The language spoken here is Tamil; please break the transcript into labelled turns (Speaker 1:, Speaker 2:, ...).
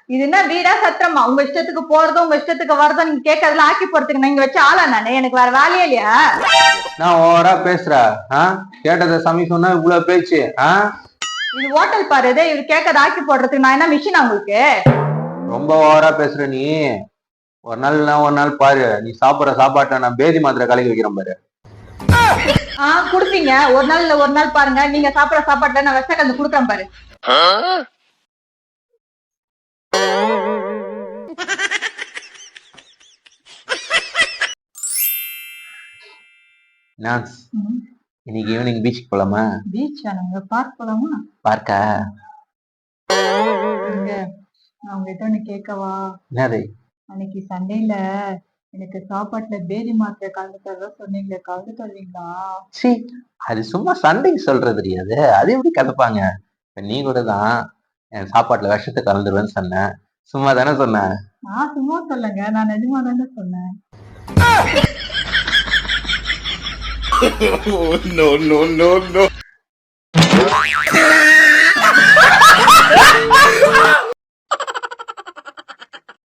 Speaker 1: இது என்ன வீடா சத்திரமா? உங்க இஷ்டத்துக்கு போறதும் உங்க இஷ்டத்துக்கு வரதும் நீங்க கேட்கறதுல ஆக்கி போறதுக்கு நீங்க வச்ச ஆளா நானு? எனக்கு வேற வேலையே இல்லையா?
Speaker 2: நான் ஓவரா பேசுற? கேட்டதை சமி சொன்னா இவ்வளவு பேச்சு?
Speaker 1: இது ஹோட்டல் பாரு, இவரு கேட்கறத ஆக்கி போடுறதுக்கு நான் என்ன மிஷினா உங்களுக்கு?
Speaker 2: ரொம்ப ஓவரா பேசுற நீ. ஒரு நாள் பாரு, நீ சாப்பிடுற சாப்பாட்டை நான் பேதி மாத்திரை கலக்கி வைக்கிறேன் பாரு.
Speaker 1: குடுப்பீங்க. ஒரு நாள் இல்ல ஒரு நாள் பாருங்க, நீங்க சாப்பிடுற சாப்பாட்டுல நான் விஷ கலந்து குடுக்குறேன் பாரு.
Speaker 2: இன்னைக்கு ஈவினிங் பீச்சுக்கு போலாமா?
Speaker 1: பீச் வேணுங்க, பார்க் போலாமா?
Speaker 2: பார்க்கா?
Speaker 1: நான் உங்ககிட்ட ஒண்ணு கேட்கவா?
Speaker 2: என்னது?
Speaker 1: அன்னைக்கு சண்டேல எனக்கு சாப்பாட்டுல பேதி மாத்திரை கலந்து தர சொன்னீங்களே, கலந்து தருவீங்களா?
Speaker 2: சரி, அது சும்மா சண்டைக்கு சொல்றது தெரியாது, அது எப்படி கலப்பாங்க? நீ கூட தான் என் சாப்பாட்டுல விஷத்தை கலந்துருவேன்னு சொன்ன. சும்மா தானே சொன்ன?
Speaker 1: நான் சும்மா சொல்லங்க, நான் நிஜமா தானே சொன்னேன்.
Speaker 3: No, no, no, no.